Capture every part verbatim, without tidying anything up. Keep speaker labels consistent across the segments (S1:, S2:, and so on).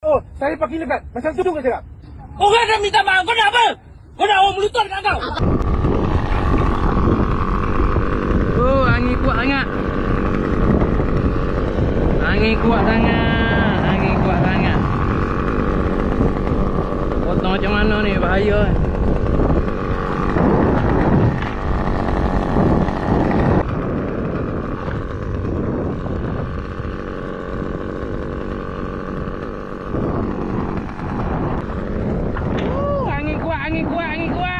S1: Oh, saya pakai lebat. Macam tu ke cakap?
S2: Orang dah minta maaf. Kau nak apa? Kau nak orang melutut kat kau?
S3: Oh, angin kuat sangat. Angin kuat sangat. Angin kuat sangat. Potong macam mana ni? Bahaya. Oh, angin kuat, angin kuat, angin kuat.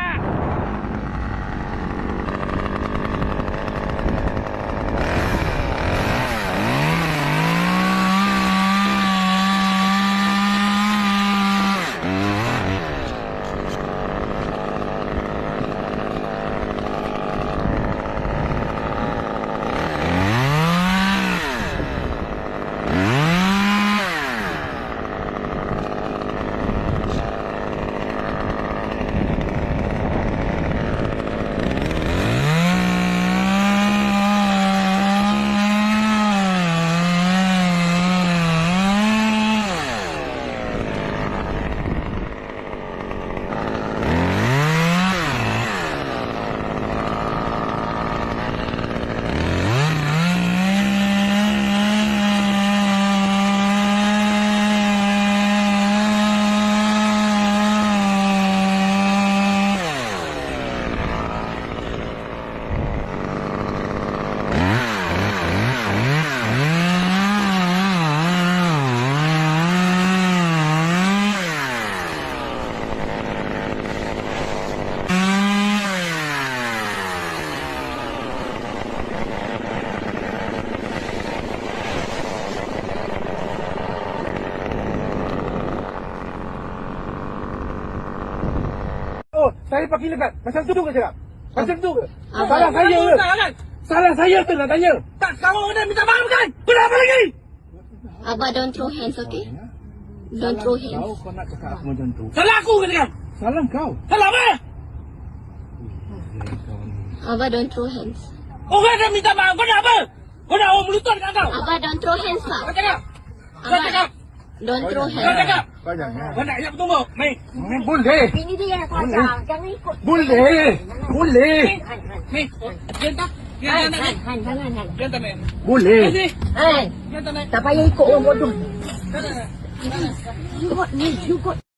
S1: Oh, saya pakai lebat. Macam tu ke cakap? Macam tu ke?
S2: Ah,
S1: Salah
S2: kau
S1: saya
S2: nak
S1: ke?
S2: minta kan?
S1: Salah saya ke nak tanya?
S2: Tak, kau dah minta maaf kan? Kau nak apa lagi?
S4: Abah, don't throw hands, okay? Don't throw hands.
S1: Kau, kau nak cakap aku macam tu.
S2: Salah aku ke kan?
S1: Salah kau.
S2: Salah apa?
S4: Abah, don't throw hands.
S2: Orang dah minta maaf. Kau nak apa? Kau nak orang melutut kat kau?
S4: Abah, don't throw hands, Pak.
S2: Kau cakap? Kau
S4: Abah,
S2: cakap?
S4: don't throw
S2: Kau
S4: hands.
S2: cakap?
S1: Kau jangan.
S2: Kau nak ingat bertumbuk? Mei.
S1: Hmm, boleh.
S5: Ini dia yang salah. Jangan ikut.
S1: Boleh. Boleh.
S2: Mei. Diam tak? Diam
S5: Han,
S2: tak,
S5: Han,
S2: Mei?
S5: Han, jangan, Han.
S2: Diam tak, Mei?
S1: Boleh.
S2: Sini.
S5: Han,
S2: Diam tak, Mei?
S5: tak payah ikut orang bodoh.
S2: Diam tak, Mei?
S5: You got me, you got